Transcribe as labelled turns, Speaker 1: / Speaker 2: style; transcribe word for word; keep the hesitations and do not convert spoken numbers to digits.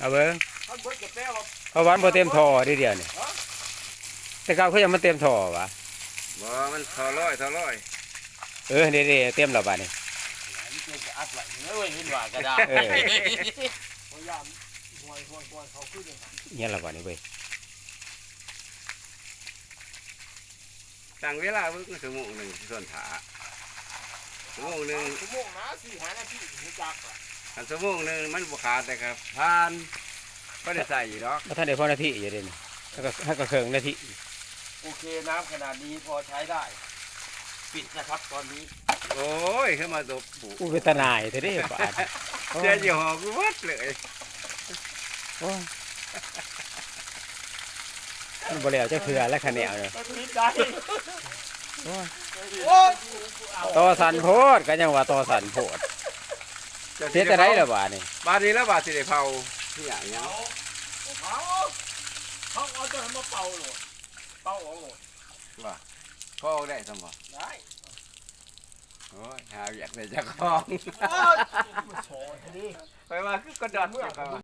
Speaker 1: เอาเบิ้ง
Speaker 2: เขาเบิดกับแป้ว
Speaker 1: เพราะวันบ่เต็มท่อทีเดียวนี่แต่เก่าเขายังมันเต็มท่อวะ
Speaker 3: บ่มันทอร้อยทอร้อย
Speaker 1: เออเด้ๆเต็มแล้วบัดนี้
Speaker 2: นี่เกิดจะอัดไหลเนื้อเว้ยเห็นว่าก็ได้
Speaker 1: เออ
Speaker 2: พยายามห่วยห่วยห่วยเขาขึ้นเลยค่ะ
Speaker 1: เนี่ยละบัดนี้เว้ย
Speaker 3: ตั้งเวลาเพิ่งชั่วโมงหนึ่งส่วนถาชั่วโมงหนึ่ง
Speaker 2: ชั่วโมงนะสี่หานาทีถึงจักอ่ะ
Speaker 3: อันชั่วโมงหนึ่งมันบุขาดแต่ครับผ่านก็ได้ใส่อยู่ดอก
Speaker 1: บ่ทันได้พอนาทีอยู่เด้นี่แล้วก็ให้ก็เครื่องนาที
Speaker 2: โอเคน้ำขนาดนี้พอใช้ได้ ปิดนะครับตอนนี้
Speaker 3: โอ้ยขึ้นมาตบปู
Speaker 1: อู้เป็นตาหนายเท่เด้บาดโอ้
Speaker 3: เสียยี่ห้อกูวัดเลย
Speaker 1: โอ้มันบ่แล้วจักเทื่อและคะแนนเลย
Speaker 2: ปิดใจ
Speaker 1: โอ้ย
Speaker 2: โอ้ย
Speaker 1: ต่อสันโพดก็ยังว่าต่อสันโพดเสียแต่ไดล่ะบาดนี่
Speaker 3: บาดนี้แล้วบาดสิได้เผาที่อย่างเงี้ย
Speaker 2: เขาเขาเอาจะมาเป่าหรอเป่าออกหรอ
Speaker 3: ว่าพ่อได้สมบ่
Speaker 2: ได้
Speaker 3: โอ้ยหาอยากได้เจ้าของ
Speaker 2: โอ้ยโชว์ทีนี้
Speaker 3: ไปว่าคือกระดอนเจ้าของ